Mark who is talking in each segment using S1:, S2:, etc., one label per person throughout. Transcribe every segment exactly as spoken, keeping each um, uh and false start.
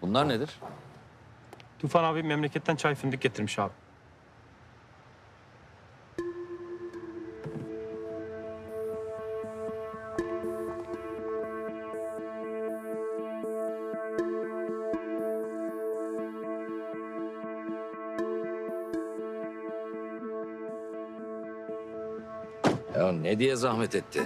S1: Bunlar nedir?
S2: Tufan abi memleketten çay fındık getirmiş abi.
S1: Ya ne diye zahmet etti?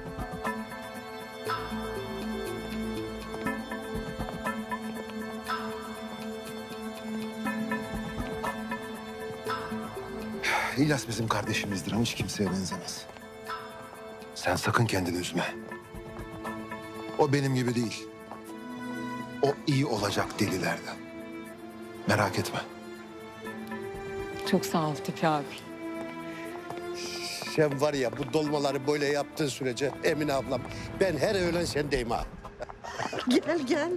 S3: İlyas bizim kardeşimizdir ama hiç kimseye benzemez. Sen sakın kendini üzme. O benim gibi değil. O iyi olacak delilerden. Merak etme.
S4: Çok sağ ol Tipi abi.
S5: Sen var ya bu dolmaları böyle yaptığın sürece Emine ablam ben her öğlen sendeyim ha.
S6: Gel gel.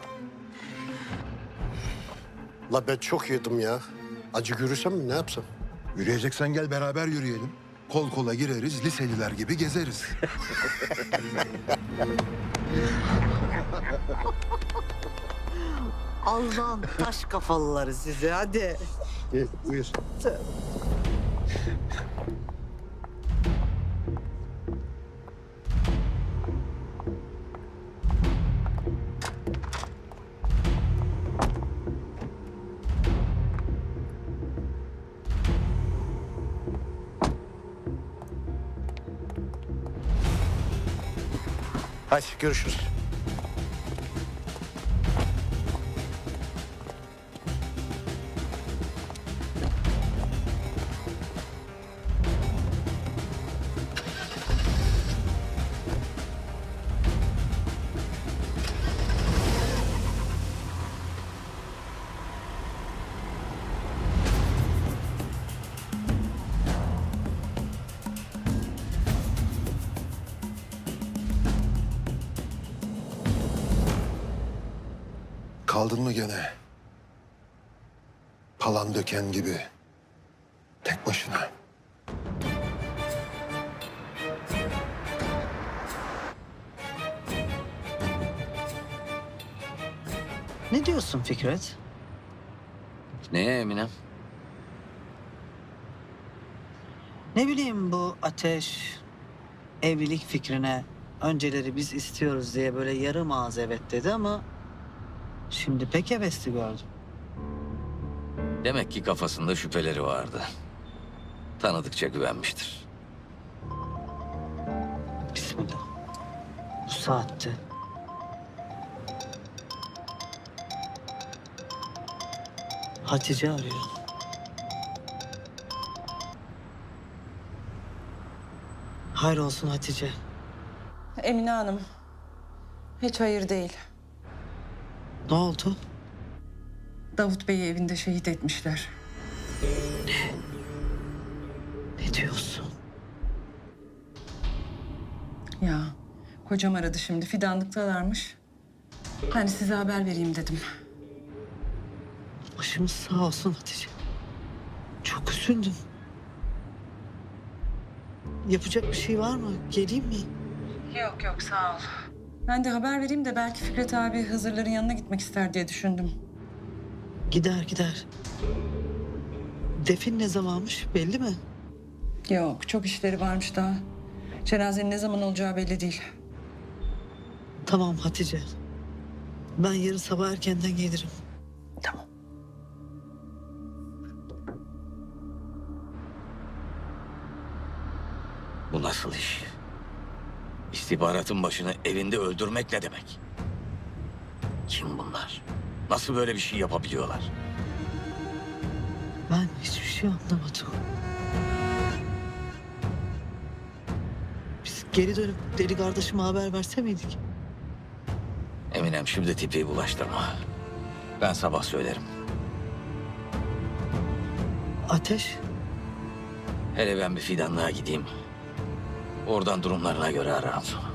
S5: La ben çok yedim ya. Acı görürsem mi ne yapsam?
S3: Yürüyeceksen gel beraber yürüyelim. Kol kola gireriz, liseliler gibi gezeriz.
S6: Allah'ın taş kafalıları size hadi.
S5: Gel buyur. Hadi görüşürüz.
S3: Kaldın mı gene? Palan döken gibi. Tek başına.
S6: Ne diyorsun Fikret?
S1: Neye Eminem?
S6: Ne bileyim bu Ateş evlilik fikrine önceleri biz istiyoruz diye böyle yarım ağız evet dedi ama şimdi pek hevesli gördüm.
S1: Demek ki kafasında şüpheleri vardı. Tanıdıkça güvenmiştir.
S6: Bismillah. Bu saatte. Hatice arıyor. Hayrolsun Hatice.
S7: Emine Hanım, hiç hayır değil.
S6: Ne oldu?
S7: Davut Bey'i evinde şehit etmişler.
S6: Ne diyorsun?
S7: Ya, kocam aradı şimdi, fidanlıktalarmış. Hani size haber vereyim dedim.
S6: Başımız sağ olsun Hatice. Çok üzüldüm. Yapacak bir şey var mı? Geleyim mi?
S7: Yok yok, sağ ol. Ben de haber vereyim de belki Fikret abi Hızırların yanına gitmek ister diye düşündüm.
S6: Gider gider. Defin ne zamanmış belli mi?
S7: Yok, çok işleri varmış daha. Cenazenin ne zaman olacağı belli değil.
S6: Tamam Hatice. Ben yarın sabah erkenden gelirim.
S7: Tamam.
S1: Bu nasıl iş? İstihbaratın başını evinde öldürmek ne demek? Kim bunlar? Nasıl böyle bir şey yapabiliyorlar?
S6: Ben hiçbir şey anlamadım. Biz geri dönüp deli kardeşime haber verse miydik?
S1: Eminem şimdi tipi bulaştırma. Ben sabah söylerim.
S6: Ateş.
S1: Hele ben bir fidanlığa gideyim. Oradan durumlarına göre ararım sonra.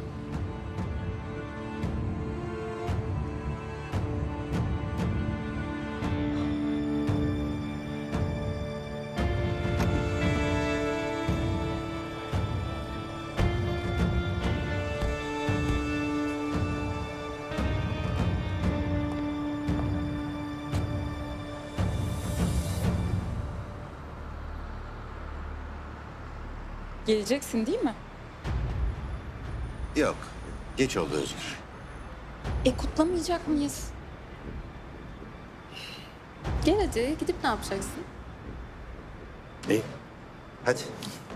S4: Geleceksin değil mi?
S8: Yok. Geç oldu Özgür.
S4: E kutlamayacak mıyız? Gel hadi gidip ne yapacaksın?
S8: İyi. Hadi.